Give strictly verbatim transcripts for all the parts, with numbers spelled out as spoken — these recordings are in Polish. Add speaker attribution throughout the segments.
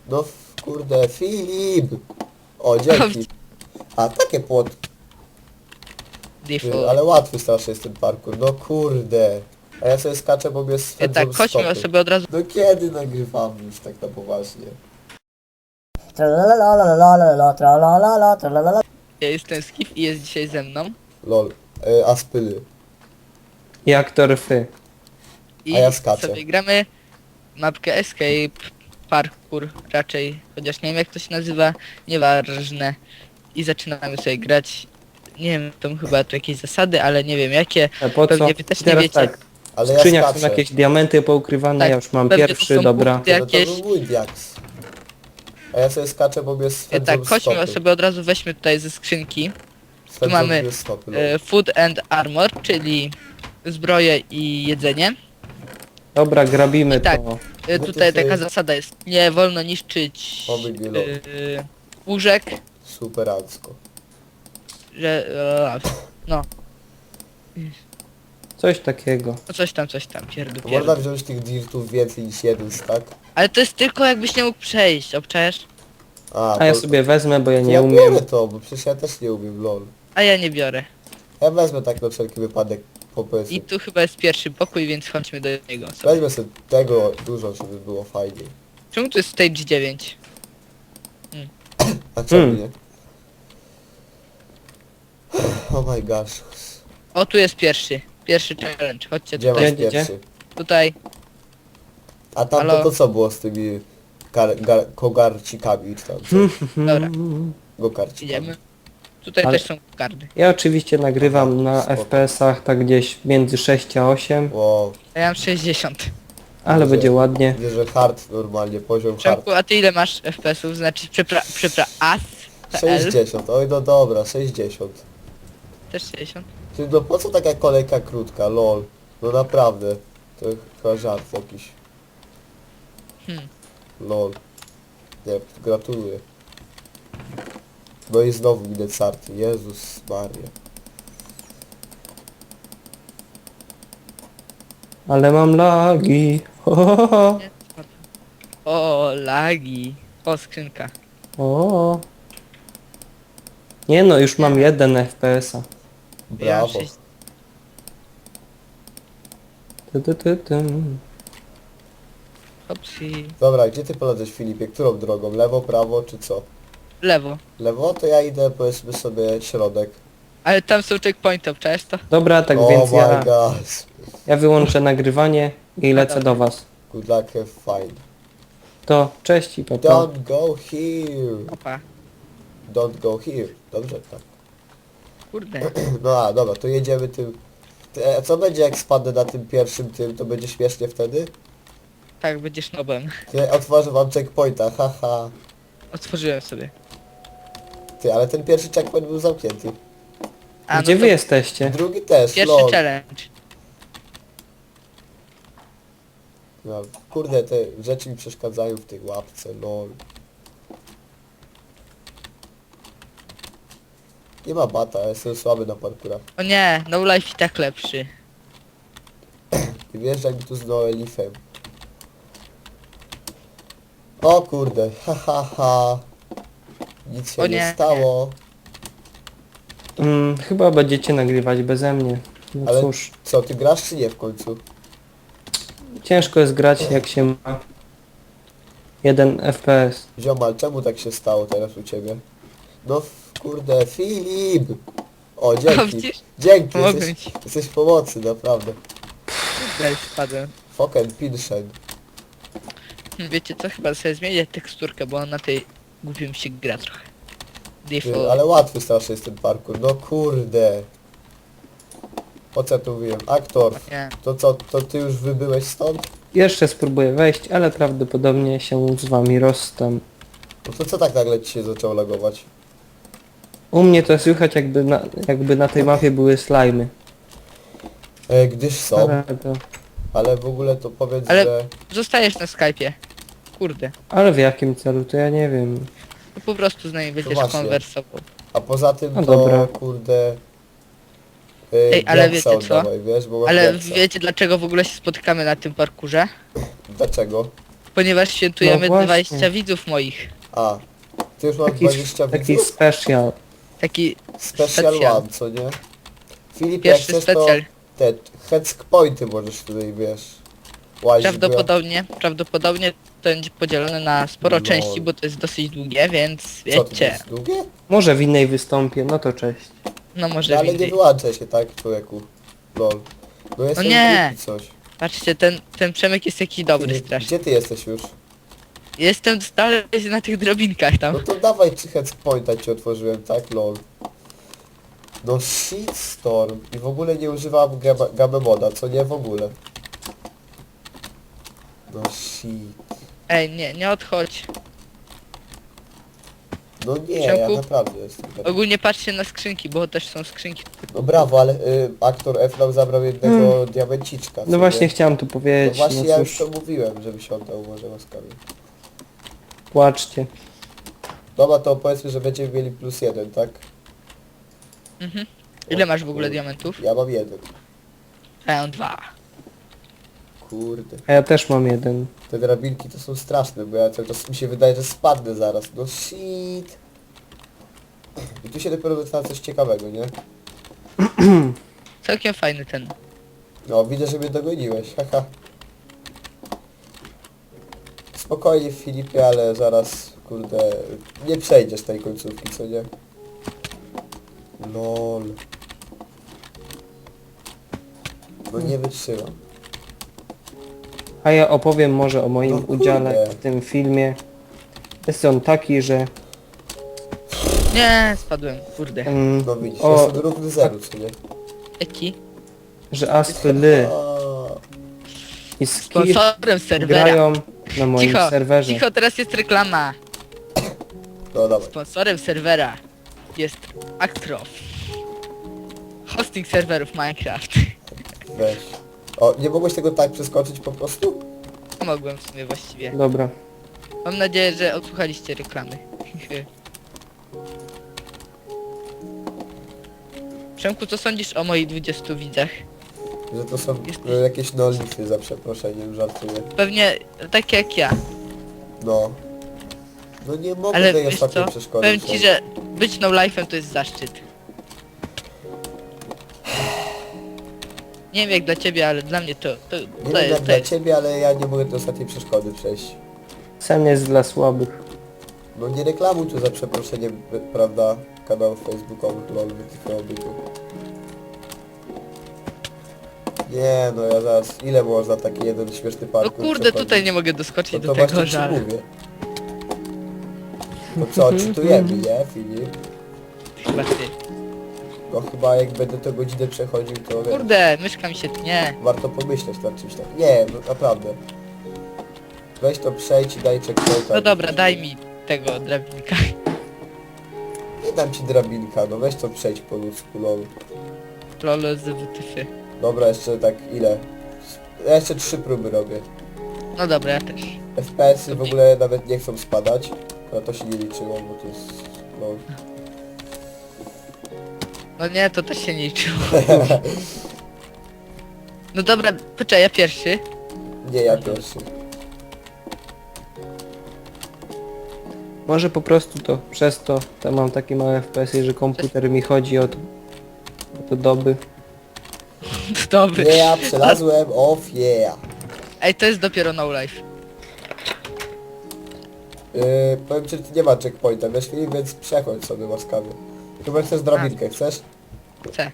Speaker 1: No f- kurde, Filip! O, dzięki. A, takie płot. Ty,
Speaker 2: Default.
Speaker 1: ale łatwy strasznie jest ten parkour, no kurde. A ja sobie skaczę, bo mnie
Speaker 2: E,
Speaker 1: swędzą
Speaker 2: tak, chodźmy
Speaker 1: stopy.
Speaker 2: sobie od razu.
Speaker 1: No kiedy nagrywamy już tak na poważnie?
Speaker 3: Tralalalala, tralalala, tralalala.
Speaker 2: Ja jestem Skif i jest dzisiaj ze mną.
Speaker 1: Lol. E, Aspyly.
Speaker 4: I aktor Fy.
Speaker 2: I
Speaker 1: A ja skaczę.
Speaker 2: sobie gramy mapkę Escape Parkour raczej, chociaż nie wiem jak to się nazywa, nieważne. I zaczynamy sobie grać. Nie wiem, tam chyba tu jakieś zasady, ale nie wiem jakie.
Speaker 4: A po co?
Speaker 2: Pewnie wy też nie
Speaker 4: Teraz
Speaker 2: wiecie.
Speaker 4: tak, w
Speaker 1: Ale ja
Speaker 4: skrzyniach są
Speaker 1: skaczę.
Speaker 4: jakieś diamenty poukrywane,
Speaker 2: Tak,
Speaker 4: ja już mam
Speaker 2: pewnie to
Speaker 4: pierwszy,
Speaker 2: są
Speaker 4: dobra.
Speaker 2: punkty.
Speaker 1: No to
Speaker 2: jakieś-
Speaker 1: był mój diaks. A ja sobie skaczę, bo mnie
Speaker 2: E,
Speaker 1: swędzą
Speaker 2: tak, chodźmy
Speaker 1: stopy.
Speaker 2: sobie od razu weźmy tutaj ze skrzynki.
Speaker 1: Swędzą
Speaker 2: mamy,
Speaker 1: mnie stopy, lol.
Speaker 2: E, food and Armor, czyli zbroję i jedzenie.
Speaker 4: Dobra, grabimy
Speaker 2: I tak.
Speaker 4: to.
Speaker 2: E,
Speaker 1: No to
Speaker 2: tutaj
Speaker 1: sobie-
Speaker 2: taka zasada jest, nie wolno niszczyć
Speaker 1: Oby nie lol.
Speaker 2: e, łóżek,
Speaker 1: Superancko.
Speaker 2: że... E, no,
Speaker 4: Coś takiego.
Speaker 2: no coś tam, coś tam, pierdu,
Speaker 1: To można
Speaker 2: pierdu.
Speaker 1: wziąć tych dirtów więcej niż jeden stack?
Speaker 2: Ale to jest tylko jakbyś nie mógł przejść, obczajesz?
Speaker 1: A,
Speaker 4: A ja
Speaker 1: to-
Speaker 4: sobie wezmę, bo ja
Speaker 1: to
Speaker 4: nie
Speaker 1: ja
Speaker 4: umiem.
Speaker 1: biorę to, bo przecież ja też nie umiem, lol.
Speaker 2: A ja nie biorę.
Speaker 1: Ja wezmę tak na wszelki wypadek po prostu.
Speaker 2: I tu chyba jest pierwszy pokój, więc chodźmy do niego sobie.
Speaker 1: Weźmy sobie tego dużo, żeby było fajniej.
Speaker 2: Czemu tu jest stage dziewięć?
Speaker 1: A czemu
Speaker 4: Hmm.
Speaker 1: nie? Oh my gosh.
Speaker 2: O, tu jest pierwszy. Pierwszy challenge, chodźcie
Speaker 1: Gdzie masz
Speaker 2: tutaj.
Speaker 4: Gdzie, gdzie?
Speaker 1: pierwszy?
Speaker 2: Tutaj.
Speaker 1: A tam to,
Speaker 2: Halo?
Speaker 1: to co było z tymi gar, gar, kogarcikami czy tam co?
Speaker 2: Dobra,
Speaker 1: Gokarcikami.
Speaker 2: idziemy. Tutaj
Speaker 4: Ale-
Speaker 2: też są karty.
Speaker 4: Ja oczywiście nagrywam na
Speaker 1: Spoko.
Speaker 4: F P S-ach tak gdzieś między sześć a osiem,
Speaker 1: Wow,
Speaker 2: A ja mam sześćdziesiąt.
Speaker 4: ale
Speaker 1: Widzę.
Speaker 4: będzie ładnie.
Speaker 1: widzę, że hard normalnie, poziom hard.
Speaker 2: Przemku, a ty ile masz F P S ów? Znaczy, przepra... przepra... as? P L?
Speaker 1: sześćdziesiąt, oj no dobra, sześćdziesiąt.
Speaker 2: Też sześćdziesiąt?
Speaker 1: Ty, no po co taka kolejka krótka, lol? No naprawdę, to chyba żart jakiś.
Speaker 2: Hmm.
Speaker 1: Lol. Nie, gratuluję. No i znowu widać sarty, Jezus Maria.
Speaker 4: Ale mam lagi. Ho, ho, ho.
Speaker 2: Nie, spadł. O, lagi. O, skrzynka.
Speaker 4: O. Nie no, już mam jeden F P S-a.
Speaker 2: Ja mam
Speaker 1: Brawo.
Speaker 2: sześć...
Speaker 4: Ty, ty, ty, ty.
Speaker 2: Hopsi.
Speaker 1: Dobra, gdzie ty polecesz, Filipie? Którą drogą? Lewo, prawo czy co?
Speaker 2: Lewo.
Speaker 1: Lewo to ja idę, powiedzmy sobie, środek.
Speaker 2: Ale tam są checkpointy, obczajesz to?
Speaker 4: Dobra, tak
Speaker 1: oh
Speaker 4: więc
Speaker 1: my
Speaker 4: ja,
Speaker 1: gosh.
Speaker 4: ja wyłączę nagrywanie i lecę do was.
Speaker 1: Good luck, have fun.
Speaker 4: To cześć i pa, pa.
Speaker 1: Don't go here.
Speaker 2: Opa.
Speaker 1: Don't go here. Dobrze, tak.
Speaker 2: Kurde.
Speaker 1: No a, dobra, to jedziemy tym... Ty, a co będzie jak spadnę na tym pierwszym tym, to będzie śmiesznie wtedy?
Speaker 2: Tak, będziesz nobem.
Speaker 1: Ty, otworzę wam checkpointa, haha.
Speaker 2: Otworzyłem sobie.
Speaker 1: Ty, ale ten pierwszy checkpoint był zamknięty.
Speaker 2: A,
Speaker 4: Gdzie
Speaker 2: no
Speaker 4: wy
Speaker 2: to
Speaker 4: jesteście?
Speaker 1: Drugi też,
Speaker 2: pierwszy
Speaker 1: lol.
Speaker 2: challenge.
Speaker 1: No, kurde, te rzeczy mi przeszkadzają w tej łapce, lol. Nie ma bata, ja jestem słaby na parkurach.
Speaker 2: O nie, no life i tak lepszy.
Speaker 1: I wjeżdżaj mi tu z Noelifem. O kurde, ha ha ha. Nic się
Speaker 2: O
Speaker 1: nie,
Speaker 2: nie,
Speaker 1: stało.
Speaker 4: Mm, chyba będziecie nagrywać beze mnie. No
Speaker 1: Ale-
Speaker 4: cóż,
Speaker 1: Co, ty grasz czy nie w końcu?
Speaker 4: ciężko jest grać jak się ma jeden F P S.
Speaker 1: Ziomal, czemu tak się stało teraz u ciebie? No f- kurde, Filip! O,
Speaker 2: O,
Speaker 1: dzięki.
Speaker 2: widzisz?
Speaker 1: Dzięki,
Speaker 2: Pomogłem
Speaker 1: jesteś,
Speaker 2: ci.
Speaker 1: jesteś pomocy, naprawdę.
Speaker 2: Tutaj spadłem.
Speaker 1: Fucking pinshen.
Speaker 2: Wiecie co? Chyba sobie zmienię teksturkę, bo on na tej głupim się gra trochę.
Speaker 1: Ty,
Speaker 2: Default.
Speaker 1: ale łatwy strasznie jest ten parkour, no kurde. Po co ja tu mówiłem? Aktor,
Speaker 2: Nie.
Speaker 1: to co, to ty już wybyłeś stąd?
Speaker 4: Jeszcze spróbuję wejść, ale prawdopodobnie się z wami rozstam.
Speaker 1: No to co tak nagle ci się zaczęło lagować?
Speaker 4: U mnie to słychać jakby na, jakby na tej mapie były slajmy.
Speaker 1: E, gdyż są,
Speaker 4: Ale, to,
Speaker 1: ale w ogóle to powiedz,
Speaker 2: Ale-
Speaker 1: że...
Speaker 2: Zostajesz na Skype'ie. Kurde.
Speaker 4: ale w jakim celu, to ja nie wiem.
Speaker 2: No po prostu z nami będziesz
Speaker 1: właśnie.
Speaker 2: konwersował.
Speaker 1: A poza tym
Speaker 4: No
Speaker 1: to,
Speaker 4: dobra.
Speaker 1: kurde... E,
Speaker 2: Ej, ale
Speaker 1: diaksa
Speaker 2: wiecie co?
Speaker 1: oddawaj, wiesz, bo masz
Speaker 2: Ale
Speaker 1: diaksa.
Speaker 2: wiecie dlaczego w ogóle się spotykamy na tym parkurze?
Speaker 1: Dlaczego?
Speaker 2: ponieważ świętujemy
Speaker 4: No właśnie.
Speaker 2: dwadzieścia widzów moich.
Speaker 1: A, ty już masz
Speaker 4: Taki,
Speaker 1: dwadzieścia
Speaker 4: taki
Speaker 1: widzów?
Speaker 4: special.
Speaker 2: Taki
Speaker 1: Special
Speaker 2: specjal.
Speaker 1: one, co nie? Filip, jak
Speaker 2: Pierwszy
Speaker 1: chcesz
Speaker 2: specjal.
Speaker 1: to te heck pointy możesz tutaj, wiesz, łazić.
Speaker 2: Prawdopodobnie, prawdopodobnie to będzie podzielone na sporo
Speaker 1: No.
Speaker 2: części, bo to jest dosyć długie, więc
Speaker 1: Bo ja... Co, to
Speaker 2: wiecie.
Speaker 1: jest długie?
Speaker 4: Może w innej wystąpię, no to cześć.
Speaker 2: No
Speaker 1: No,
Speaker 2: może
Speaker 1: ale nie
Speaker 2: windy.
Speaker 1: wyłączaj się, tak, człowieku. Lol. No jestem
Speaker 2: nie.
Speaker 1: głupi coś.
Speaker 2: Patrzcie, ten, ten Przemek jest jakiś dobry
Speaker 1: Filip,
Speaker 2: strasznie.
Speaker 1: gdzie ty jesteś już?
Speaker 2: Jestem stale na tych drobinkach tam.
Speaker 1: No to dawaj czy heck pointa ci otworzyłem, tak, lol. No shitstorm. I w ogóle nie używam gamma, gamma moda, co nie w ogóle. No shit.
Speaker 2: Ej, nie, nie odchodź.
Speaker 1: No nie, ja
Speaker 2: Przemku?
Speaker 1: naprawdę jestem. taki.
Speaker 2: Ogólnie patrzcie na skrzynki, bo też są skrzynki.
Speaker 1: No brawo, ale y, aktor F nam zabrał jednego diamenciczka. co
Speaker 4: No właśnie
Speaker 1: nie?
Speaker 4: chciałem tu
Speaker 1: No
Speaker 4: powiedzieć,
Speaker 1: właśnie
Speaker 4: no
Speaker 1: ja już
Speaker 4: cóż,
Speaker 1: to mówiłem, żebyś oddał może łaskawie.
Speaker 4: płaczcie.
Speaker 1: Dobra, to powiedzmy, że będziemy mieli plus jeden, tak?
Speaker 2: Mhm. Ile
Speaker 1: O,
Speaker 2: masz w ogóle
Speaker 1: kurde.
Speaker 2: diamentów?
Speaker 1: Ja mam jeden.
Speaker 2: A ja mam dwa.
Speaker 1: Kurde.
Speaker 4: A ja też mam jeden.
Speaker 1: Te drabinki to są straszne, bo ja cały czas mi się wydaje, że spadnę zaraz. No shit. I tu się dopiero zaczyna coś ciekawego, nie?
Speaker 2: Całkiem fajny ten.
Speaker 1: No, widzę, że mnie dogoniłeś, haha. Spokojnie Filipie, ale zaraz, kurde, nie przejdziesz tej końcówki, co nie? Lol. No nie wytrzymam.
Speaker 4: A ja opowiem może o moim
Speaker 1: No kurde.
Speaker 4: udziale w tym filmie. Jest on taki, że...
Speaker 2: Nie, spadłem, kurde.
Speaker 4: Mm,
Speaker 1: No widzisz,
Speaker 4: o,
Speaker 1: jestem równy zeru, co nie?
Speaker 2: Eki.
Speaker 4: że Astly
Speaker 1: A,
Speaker 4: i Skir
Speaker 2: Sponsorem serwera.
Speaker 4: grają na moim
Speaker 2: Cicho,
Speaker 4: serwerze.
Speaker 2: cicho, teraz jest reklama.
Speaker 1: no dawaj.
Speaker 2: Sponsorem serwera jest Actrof. Hosting serwerów Minecraft.
Speaker 1: Weź. O, nie mogłeś tego tak przeskoczyć po prostu?
Speaker 2: Mogłem w sumie właściwie.
Speaker 4: Dobra.
Speaker 2: Mam nadzieję, że odsłuchaliście reklamy. Przemku, co sądzisz o moich dwudziestu widzach?
Speaker 1: Że to są
Speaker 2: Jesteś-
Speaker 1: e, jakieś nolify, za przeproszeniem, żartuję.
Speaker 2: Pewnie tak jak ja.
Speaker 1: No. No nie mogę
Speaker 2: Ale
Speaker 1: tej
Speaker 2: wiesz
Speaker 1: ostatniej
Speaker 2: co?
Speaker 1: przeszkody
Speaker 2: Powiem ci,
Speaker 1: przejść.
Speaker 2: że być no life'em to jest zaszczyt. Nie wiem jak dla ciebie, ale dla mnie to, to,
Speaker 1: Nie
Speaker 2: to
Speaker 1: wiem jak
Speaker 2: jest, to
Speaker 1: dla
Speaker 2: jest.
Speaker 1: ciebie, ale ja nie mogę tej ostatniej przeszkody przejść.
Speaker 4: Sen jest dla słabych.
Speaker 1: No nie reklamuj tu za przeproszeniem, p- prawda, kanałów facebookowych, lol, wytyfiowych. Nie no, ja zaraz, ile można taki jeden śmieszny
Speaker 2: No
Speaker 1: parkour
Speaker 2: kurde,
Speaker 1: przechodzić?
Speaker 2: tutaj nie mogę doskoczyć
Speaker 1: No
Speaker 2: do
Speaker 1: to
Speaker 2: tego
Speaker 1: właśnie ci
Speaker 2: żalu.
Speaker 1: mówię. No co, czytujemy, nie, Filip?
Speaker 2: Chyba ty.
Speaker 1: No chyba jak będę tę godzinę przechodził, to wiesz,
Speaker 2: Kurde, myszka mi się tnie.
Speaker 1: warto pomyśleć nad czymś tak. Nie, no naprawdę. Weź to przejdź i daj checkpointa.
Speaker 2: No dobra, daj mi tego drabinka.
Speaker 1: Nie dam ci drabinka, no weź to przejdź po ludzku, lol.
Speaker 2: Lolo z W T F.
Speaker 1: Dobra, jeszcze tak ile? Ja jeszcze trzy próby robię.
Speaker 2: No dobra, ja też.
Speaker 1: F P S-y w ogóle nawet nie chcą spadać. No to się nie liczyło, bo to jest... No.
Speaker 2: No nie, to też się nie liczyło. No dobra, poczekaj, ja pierwszy.
Speaker 1: Nie, ja pierwszy.
Speaker 4: Może po prostu to przez to, to mam takie małe F P S-y, że komputer mi chodzi od, od doby.
Speaker 2: Dobry.
Speaker 1: Nie, ja przelazłem, off, yeah.
Speaker 2: Ej, to jest dopiero no life.
Speaker 1: Yy, powiem ci, że tu nie ma checkpointa, wiesz Filip, więc przechodź sobie łaskawie. Chyba chcesz drabinkę, chcesz?
Speaker 2: C.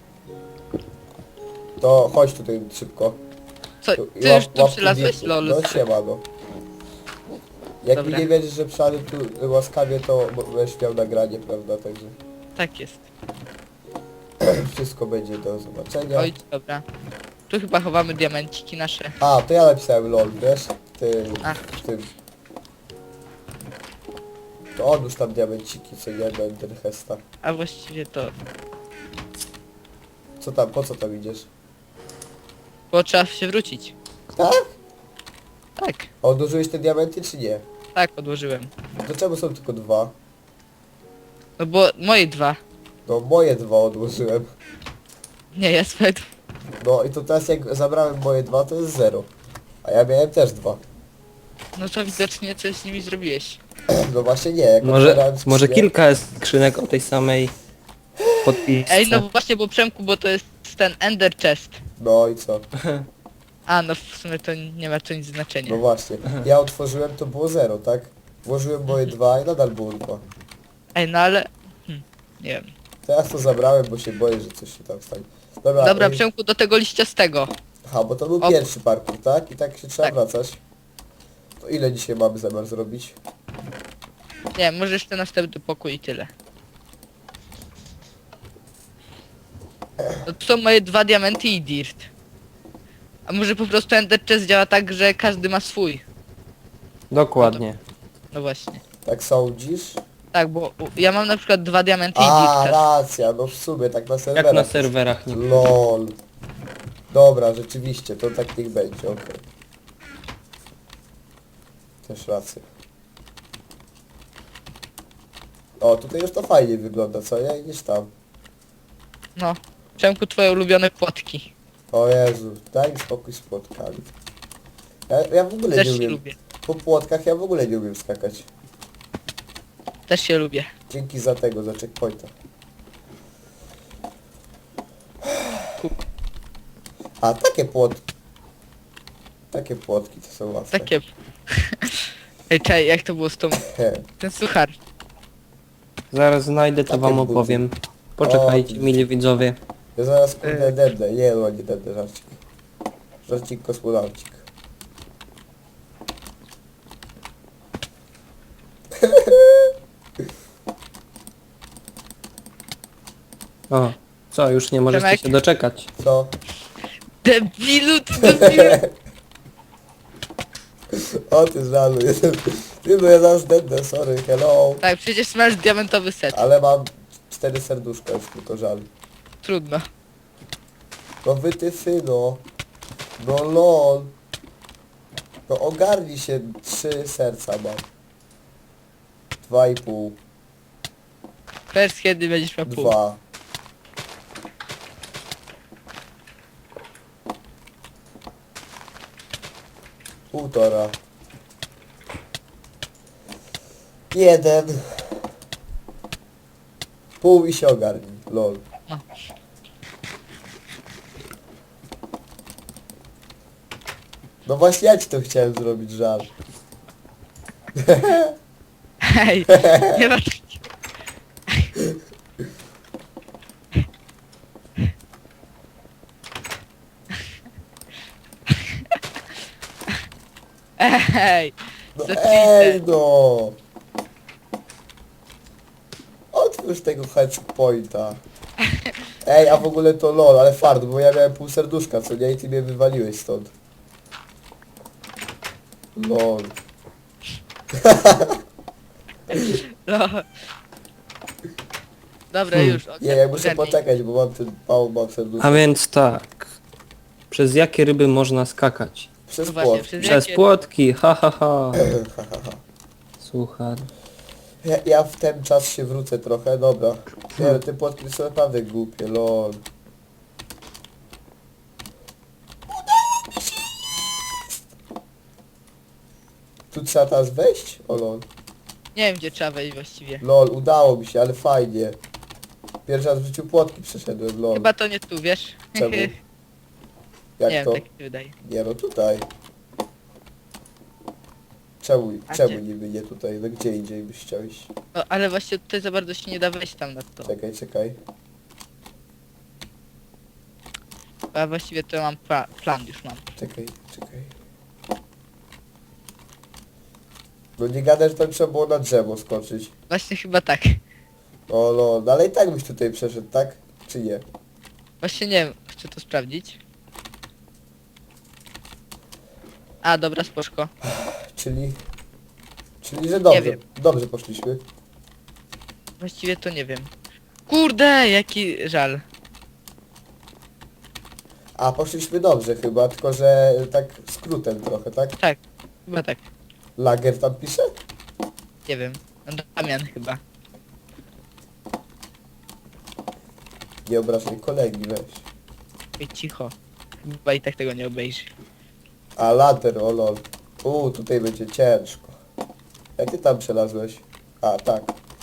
Speaker 1: To chodź tutaj szybko.
Speaker 2: Co,
Speaker 1: Tu- i
Speaker 2: ty
Speaker 1: łap-
Speaker 2: już tu
Speaker 1: łap
Speaker 2: przylazłeś?
Speaker 1: guziku.
Speaker 2: Lol.
Speaker 1: No siema, no. Jak
Speaker 2: Dobra.
Speaker 1: mi nie wiedziesz, że przyszedłem tu łaskawie, to bo- będziesz miał nagranie, prawda, także
Speaker 2: Tak jest.
Speaker 1: wszystko będzie do zobaczenia.
Speaker 2: Oj, dobra. Tu chyba chowamy diamenciki nasze.
Speaker 1: A, to ja napisałem lol, wiesz? Ty,
Speaker 2: A.
Speaker 1: w tym. To odłóż tam diamenciki, co nie będę hesta.
Speaker 2: A właściwie to...
Speaker 1: Co tam, po co tam idziesz?
Speaker 2: Bo trzeba się wrócić.
Speaker 1: Tak?
Speaker 2: Tak,
Speaker 1: A odłożyłeś te diamenty, czy nie?
Speaker 2: tak, odłożyłem.
Speaker 1: To czemu są tylko dwa?
Speaker 2: No bo moje dwa.
Speaker 1: No moje dwa odłożyłem.
Speaker 2: Nie, ja swoje dwa.
Speaker 1: No i to teraz jak zabrałem moje dwa, to jest zero. A ja miałem też dwa.
Speaker 2: No to widocznie coś z nimi zrobiłeś.
Speaker 1: No właśnie nie, jak
Speaker 4: Może,
Speaker 1: otwierałem
Speaker 4: może
Speaker 1: skrzynię-
Speaker 4: kilka skrzynek o tej samej podpisce.
Speaker 2: Ej, no właśnie, bo Przemku, bo to jest ten Ender Chest.
Speaker 1: No i co?
Speaker 2: A, no w sumie to nie ma to nic znaczenia.
Speaker 1: No właśnie. Ja otworzyłem, to było zero, tak? Włożyłem moje dwa i nadal było dwa.
Speaker 2: Ej, no ale... Hm, nie wiem.
Speaker 1: Teraz to zabrałem, bo się boję, że coś się tam stanie. Dobra,
Speaker 2: Dobra,
Speaker 1: ej,
Speaker 2: Przemku, do tego liściastego.
Speaker 1: aha, bo to był
Speaker 2: O.
Speaker 1: pierwszy parkour, tak? I tak się trzeba
Speaker 2: Tak.
Speaker 1: wracać. To ile dzisiaj mamy zamiar zrobić?
Speaker 2: Nie, może jeszcze następny pokój i tyle. No to są moje dwa diamenty i dirt. A może po prostu Ender Chest działa tak, że każdy ma swój.
Speaker 4: Dokładnie.
Speaker 2: No właśnie.
Speaker 1: Tak sądzisz?
Speaker 2: Tak, bo u- ja mam na przykład dwa diamenty i
Speaker 1: A,
Speaker 2: dirt chest.
Speaker 1: racja, no w sumie, tak na
Speaker 4: Jak
Speaker 1: serwerach.
Speaker 4: na serwerach nie.
Speaker 1: LOL. Dobra, rzeczywiście, to tak niech będzie, okej. Też rację. O, tutaj już to fajnie wygląda, co nie? Niż tam.
Speaker 2: No. Przemku, twoje ulubione płotki.
Speaker 1: O Jezu, daj mi spokój z płotkami. Ja, ja w ogóle
Speaker 2: Też
Speaker 1: nie
Speaker 2: się
Speaker 1: umiem.
Speaker 2: lubię.
Speaker 1: Po płotkach ja w ogóle nie umiem skakać.
Speaker 2: Też się lubię.
Speaker 1: Dzięki za tego, za checkpointa. A, takie płotki. Takie płotki to są łatwe.
Speaker 2: Takie... Ej, czekaj, jak to było z tą...
Speaker 1: He.
Speaker 2: Ten suchar.
Speaker 4: Zaraz znajdę, to
Speaker 1: Takie
Speaker 4: wam
Speaker 1: buty.
Speaker 4: opowiem. Poczekajcie,
Speaker 1: O,
Speaker 4: mili widzowie.
Speaker 1: Ja zaraz kurde
Speaker 2: E.
Speaker 1: dednę. Nie no, nie dednę, żarcik. Żarcik kosmonaucik.
Speaker 4: O, co, już nie możecie
Speaker 2: Przemek?
Speaker 4: się doczekać.
Speaker 1: Co?
Speaker 2: Debilu, ty debilu!
Speaker 1: O ty żalu, jestem... Ty no ja zaraz dednę, sorry, hello.
Speaker 2: Tak, przecież masz diamentowy set.
Speaker 1: Ale mam cztery serduszka już, tylko żal.
Speaker 2: Trudno.
Speaker 1: No wy ty syno. No lol. No ogarnij się, trzy serca mam. Dwa i pół.
Speaker 2: Wiesz, kiedy będziesz miał pół.
Speaker 1: Dwa. Półtora. Jeden. Pół i się ogarnij, lol.
Speaker 2: No.
Speaker 1: No właśnie ja ci to chciałem zrobić, żal.
Speaker 2: Hej, nie masz... Ej,
Speaker 1: No
Speaker 2: za
Speaker 1: ej
Speaker 2: cheater.
Speaker 1: no! Otwórz tego checkpointa. Ej, a w ogóle to lol, ale fart, bo ja miałem pół serduszka, co nie? I ty mnie wywaliłeś stąd. Lol.
Speaker 2: No. Dobra,
Speaker 4: Hmm.
Speaker 2: już.
Speaker 1: Nie, ja muszę
Speaker 2: ogarnij.
Speaker 1: poczekać, bo mam ten mało mam serduszka.
Speaker 4: A więc tak. Przez jakie ryby można skakać?
Speaker 1: Przez
Speaker 2: No właśnie,
Speaker 1: płot.
Speaker 2: przez
Speaker 4: Przez
Speaker 2: jakie...
Speaker 4: płotki, ha ha ha. Słuchaj.
Speaker 1: Ja, ja w ten czas się wrócę trochę, dobra. Nie, ale te płotki są naprawdę głupie, lol. Tu trzeba teraz wejść? O lol.
Speaker 2: Nie wiem, gdzie trzeba wejść właściwie.
Speaker 1: Lol, udało mi się, ale fajnie. Pierwszy raz w życiu płotki przeszedłem, lol.
Speaker 2: Chyba to nie tu, wiesz?
Speaker 1: Czemu?
Speaker 2: nie
Speaker 1: Jak
Speaker 2: wiem,
Speaker 1: to?
Speaker 2: tak mi się wydaje.
Speaker 1: Nie no, tutaj. Czemu,
Speaker 2: A
Speaker 1: czemu
Speaker 2: gdzie?
Speaker 1: niby nie tutaj? No gdzie indziej byś chciał iść?
Speaker 2: No, ale właśnie tutaj za bardzo się nie da wejść tam na to.
Speaker 1: Czekaj, czekaj.
Speaker 2: A właściwie to mam pla plan, już mam.
Speaker 1: Czekaj, czekaj. No nie gadaj, że tam trzeba było na drzewo skoczyć.
Speaker 2: Właśnie chyba tak.
Speaker 1: O lol, no ale i tak byś tutaj przeszedł, tak? Czy nie?
Speaker 2: Właśnie nie wiem, chcę to sprawdzić. A, dobra, spoczko.
Speaker 1: Czyli... Czyli, że dobrze,
Speaker 2: wiem.
Speaker 1: dobrze poszliśmy.
Speaker 2: Właściwie to nie wiem. Kurde, jaki żal.
Speaker 1: A, poszliśmy dobrze chyba, tylko że tak skrótem trochę, tak?
Speaker 2: Tak, chyba tak.
Speaker 1: Lager tam pisze?
Speaker 2: Nie wiem. Damian chyba.
Speaker 1: Nie obrażaj kolegi, weź.
Speaker 2: Ej, cicho. Chyba i tak tego nie obejrzy.
Speaker 1: A, lader, o lol. Uuu, tutaj będzie ciężko. Jak ty tam przelazłeś? A, tak.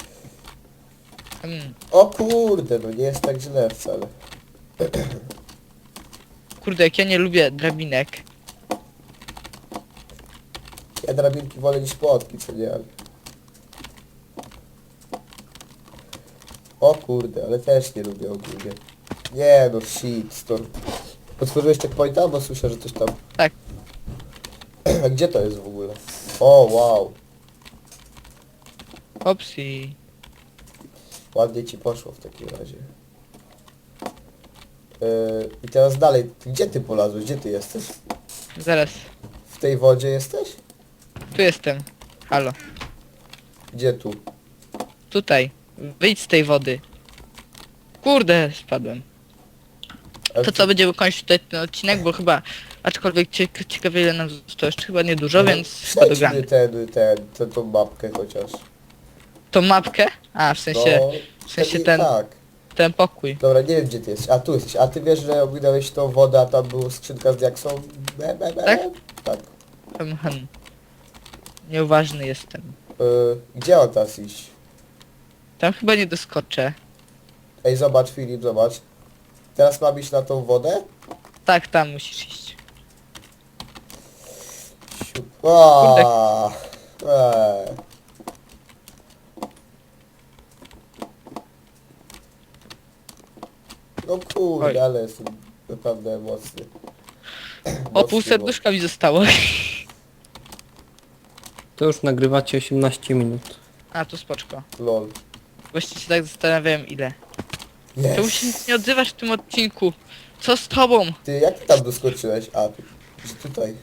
Speaker 2: Mm,
Speaker 1: O kurde, no nie jest tak źle wcale.
Speaker 2: kurde, jak ja nie lubię drabinek.
Speaker 1: Ja drabinki wolę niż płotki, co nie? Ale... O kurde, ale też nie lubię ogólnie. Nie no, shit, storm. Otworzyłeś checkpointa? Bo słyszę, że coś tam...
Speaker 2: Tak.
Speaker 1: A gdzie to jest w ogóle? O, wow.
Speaker 2: Opsi.
Speaker 1: Ładnie ci poszło w takim razie. Yy, I teraz dalej, gdzie ty polazłeś? Gdzie ty jesteś?
Speaker 2: Zaraz.
Speaker 1: W tej wodzie jesteś?
Speaker 2: Tu jestem. Halo.
Speaker 1: Gdzie tu?
Speaker 2: Tutaj. Wyjdź z tej wody. Kurde, spadłem.
Speaker 1: A
Speaker 2: To co, będziemy kończyć tutaj ten odcinek, bo chyba, aczkolwiek ciek ciekawie ile nam zostało jeszcze chyba niedużo, więc chyba
Speaker 1: Przejdźmy
Speaker 2: dogramy.
Speaker 1: ten, ten, ten, tą mapkę chociaż.
Speaker 2: Tą mapkę? A, w sensie,
Speaker 1: No,
Speaker 2: w sensie
Speaker 1: wtedy
Speaker 2: ten,
Speaker 1: Tak.
Speaker 2: ten pokój.
Speaker 1: Dobra, nie wiem gdzie ty jesteś. A tu jesteś. A ty wiesz, że ominąłeś tą wodę, a tam była skrzynka z diaksą? Be, be, be.
Speaker 2: Tak?
Speaker 1: Tak.
Speaker 2: Hmm, hmm. Nieuważny jestem.
Speaker 1: Yy, gdzie on teraz iść?
Speaker 2: Tam chyba nie doskoczę.
Speaker 1: Ej, zobacz Filip, zobacz. Teraz mam iść na tą wodę?
Speaker 2: Tak, tam musisz iść.
Speaker 1: Siup. Aaaa. Eee. No kurde,
Speaker 2: Oj.
Speaker 1: ale jestem naprawdę mocny.
Speaker 2: O, pół serduszka mi zostało.
Speaker 4: To już nagrywacie osiemnaście minut.
Speaker 2: A, tu spoczko.
Speaker 1: Lol.
Speaker 2: Właściwie się tak zastanawiałem ile.
Speaker 1: Yes.
Speaker 2: Czemu się nic nie odzywasz w tym odcinku? Co z tobą?
Speaker 1: Ty, jak ty tam doskoczyłeś? A, tu, że tutaj.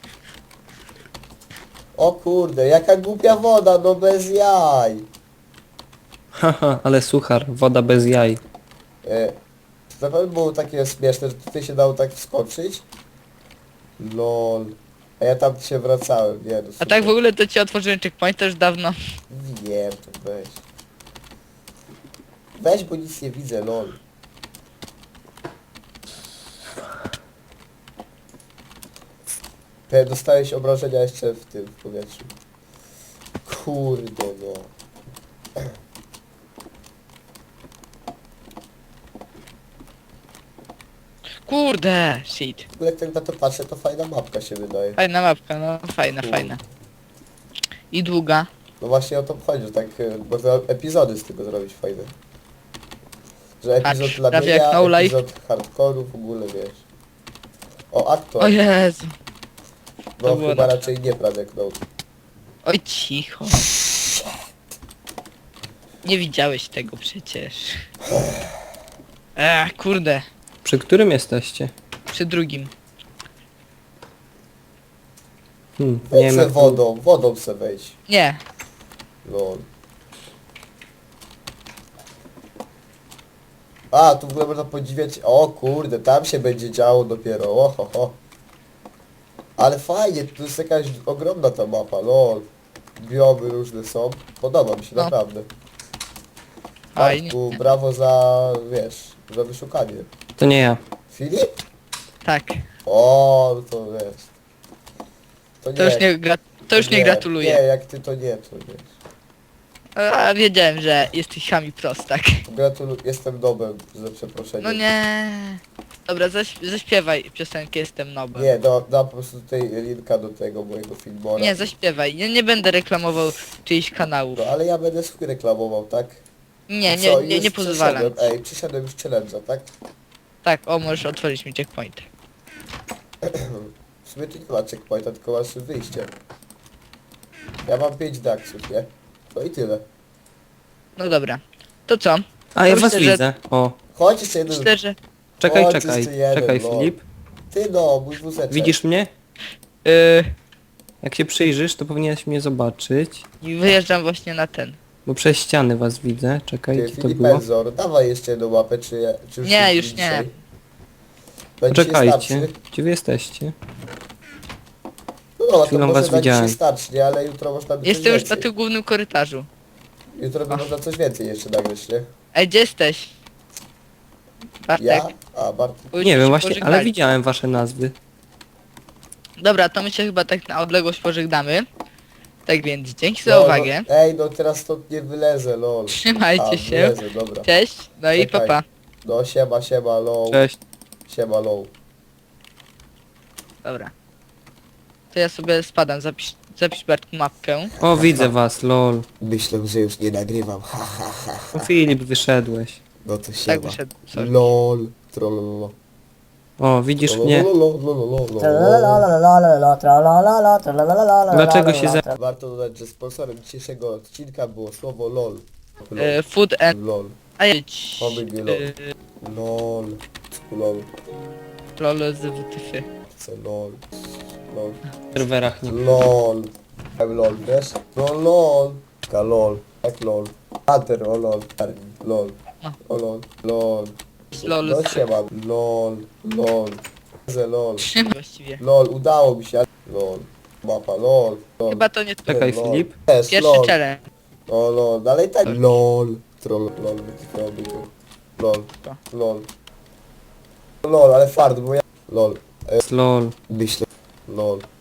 Speaker 1: O kurde, jaka głupia woda, no bez jaj.
Speaker 4: Haha, ale suchar, woda bez jaj.
Speaker 1: E, to na pewno było takie śmieszne, że tutaj się dało tak wskoczyć. Lol. A ja tam się wracałem, nie no
Speaker 2: A
Speaker 1: super.
Speaker 2: tak w ogóle to ci otworzyłem checkpoint też dawno.
Speaker 1: Wiem, to weź. Weź, bo nic nie widzę, lol. E, Dostałeś obrażenia jeszcze w tym, w powietrzu. Kurde no.
Speaker 2: Kurde, shit.
Speaker 1: W ogóle jak tak na to patrzę, to fajna mapka się wydaje.
Speaker 2: Fajna mapka, no fajna, fajna. I długa.
Speaker 1: No właśnie o to chodzi, że tak, e, bo to epizody z tego zrobić fajne. Że epizod
Speaker 2: Patrz,
Speaker 1: dla
Speaker 2: prawie
Speaker 1: mnie,
Speaker 2: jak no life.
Speaker 1: epizod hardcore'u, w ogóle wiesz. O, aktor.
Speaker 2: O Jezu.
Speaker 1: No
Speaker 2: to było
Speaker 1: chyba
Speaker 2: na-
Speaker 1: raczej nie Pradek no.
Speaker 2: Oj, cicho. Nie widziałeś tego przecież. Ech, kurde.
Speaker 4: Przy którym jesteście?
Speaker 2: Przy drugim.
Speaker 4: Hmm, nie
Speaker 1: Weź
Speaker 4: wiem
Speaker 1: se
Speaker 4: jak to...
Speaker 1: wodą, wodą se wejdź.
Speaker 2: Nie.
Speaker 1: Lol. A, tu w ogóle można podziwiać, o kurde, tam się będzie działo dopiero, oho, ho. Ale fajnie, tu jest jakaś ogromna ta mapa, lol. Biomy różne są, podoba mi się,
Speaker 2: No.
Speaker 1: naprawdę.
Speaker 2: Fajnie.
Speaker 1: Bartku, brawo za, wiesz, za wyszukanie.
Speaker 4: To nie ja.
Speaker 1: Filip?
Speaker 2: Tak.
Speaker 1: O, no to wiesz. To nie,
Speaker 2: To już nie, gra to już nie
Speaker 1: Nie,
Speaker 2: gratuluję.
Speaker 1: jak ty to nie, to wiesz.
Speaker 2: A, wiedziałem, że jesteś chami prostak.
Speaker 1: Gratuluję, jestem nobem, za przeproszeniem.
Speaker 2: No nie. Dobra, zaś zaśpiewaj piosenkę Jestem Nobem.
Speaker 1: Nie, da, da po prostu tutaj linka do tego mojego filmora.
Speaker 2: Nie, zaśpiewaj. Nie, nie będę reklamował czyichś kanałów.
Speaker 1: No ale ja będę swój reklamował, tak?
Speaker 2: Nie,
Speaker 1: I
Speaker 2: nie,
Speaker 1: co,
Speaker 2: nie,
Speaker 1: już
Speaker 2: nie pozwalam.
Speaker 1: przeszedłem- Ej, przyszedłem już challenge'a, tak?
Speaker 2: Tak, o, możesz otworzyć mi checkpoint.
Speaker 1: W sumie tu nie ma checkpointa, tylko masz wyjście. Ja mam pięć daksów, nie? No i tyle.
Speaker 2: No dobra. To co?
Speaker 4: A ja
Speaker 2: Myślę,
Speaker 4: was
Speaker 2: że-
Speaker 4: widzę. O,
Speaker 1: Chodź jeszcze jeden.
Speaker 2: Myślę, że...
Speaker 4: czekaj,
Speaker 1: Chodź,
Speaker 4: czekaj.
Speaker 1: jeszcze jeden,
Speaker 4: Czekaj
Speaker 1: no.
Speaker 4: Filip.
Speaker 1: Ty no, mój wózeczek.
Speaker 4: Widzisz mnie?
Speaker 2: Yy,
Speaker 4: Jak się przyjrzysz, to powinieneś mnie zobaczyć.
Speaker 2: i wyjeżdżam właśnie na ten.
Speaker 4: Bo przez ściany was widzę. Czekaj,
Speaker 1: Ty,
Speaker 4: gdzie to
Speaker 1: Filip
Speaker 4: było?
Speaker 1: Enzor, dawaj jeszcze jedną łapę, czy, czy już
Speaker 2: Nie,
Speaker 1: jest
Speaker 2: już
Speaker 1: dzisiaj?
Speaker 2: nie.
Speaker 1: Będzie
Speaker 4: Poczekajcie.
Speaker 1: starszy?
Speaker 4: Gdzie wy jesteście?
Speaker 1: No, to
Speaker 4: Chwilą
Speaker 1: może
Speaker 4: was
Speaker 1: na dzisiaj
Speaker 4: widziałem.
Speaker 1: starczy, nie? Ale jutro można by
Speaker 2: Jestem
Speaker 1: coś
Speaker 2: już na
Speaker 1: więcej.
Speaker 2: tym głównym korytarzu.
Speaker 1: Jutro by można coś więcej jeszcze nagrać, nie?
Speaker 2: Ej, gdzie jesteś? Bartek.
Speaker 1: Ja? A, Bartek.
Speaker 2: bo już
Speaker 4: Nie
Speaker 2: się
Speaker 4: wiem właśnie, ale
Speaker 2: pożegnali.
Speaker 4: widziałem wasze nazwy.
Speaker 2: Dobra, to my się chyba tak na odległość pożegnamy. Tak więc dzięki za
Speaker 1: No,
Speaker 2: uwagę.
Speaker 1: No, ej, no teraz stąd nie wylezę, lol.
Speaker 2: Trzymajcie
Speaker 1: A,
Speaker 2: się.
Speaker 1: wylezę, dobra.
Speaker 2: Cześć. No i
Speaker 1: Czekaj.
Speaker 2: papa.
Speaker 1: No siema, siema, lol.
Speaker 4: Cześć.
Speaker 1: Siema, lol.
Speaker 2: Dobra. To ja sobie spadam, zapisz, zapisz Bartku mapkę.
Speaker 4: O, widzę was, lol.
Speaker 1: Myślę, że już nie nagrywam. Ha, ha, ha.
Speaker 4: O, Filip, wyszedłeś.
Speaker 1: No to
Speaker 2: Tak
Speaker 1: siema.
Speaker 2: wyszedł. Sorry.
Speaker 1: Lol. Trollolo.
Speaker 4: O, widzisz mnie?
Speaker 3: Tralalalala, tralalala, tralalala,
Speaker 4: Dlaczego się za-
Speaker 3: tra-
Speaker 1: Warto dodać, że sponsorem dzisiejszego odcinka było słowo lol.
Speaker 2: E, food and...
Speaker 1: Lol.
Speaker 2: A jedź.
Speaker 1: Oby nie
Speaker 2: E,
Speaker 1: Lol. Lol.
Speaker 2: lol z W T F.
Speaker 1: Chcę lol. Lol.
Speaker 4: W serwerach nie.
Speaker 1: LOL. I'm LOL, wiesz? No LOL. Ka LOL. Jak LOL. Hunter, o LOL. LOL. O LOL. LOL.
Speaker 2: LOL
Speaker 1: No
Speaker 2: z-
Speaker 1: siema. LOL. LOL. Ze LOL.
Speaker 2: Czym właściwie?
Speaker 1: LOL, udało mi się. LOL. Mapa, LOL. LOL.
Speaker 2: Chyba to nie to.
Speaker 4: Czekaj,
Speaker 1: LOL.
Speaker 4: Filip.
Speaker 1: Jest,
Speaker 2: Pierwszy
Speaker 1: LOL.
Speaker 2: challenge.
Speaker 1: O LOL. Dalej tak. LOL. Troll. LOL. wytykałoby go. LOL. LOL. LOL, ale fart, bo ja... LOL.
Speaker 4: Lol.
Speaker 1: Myślę. LOL.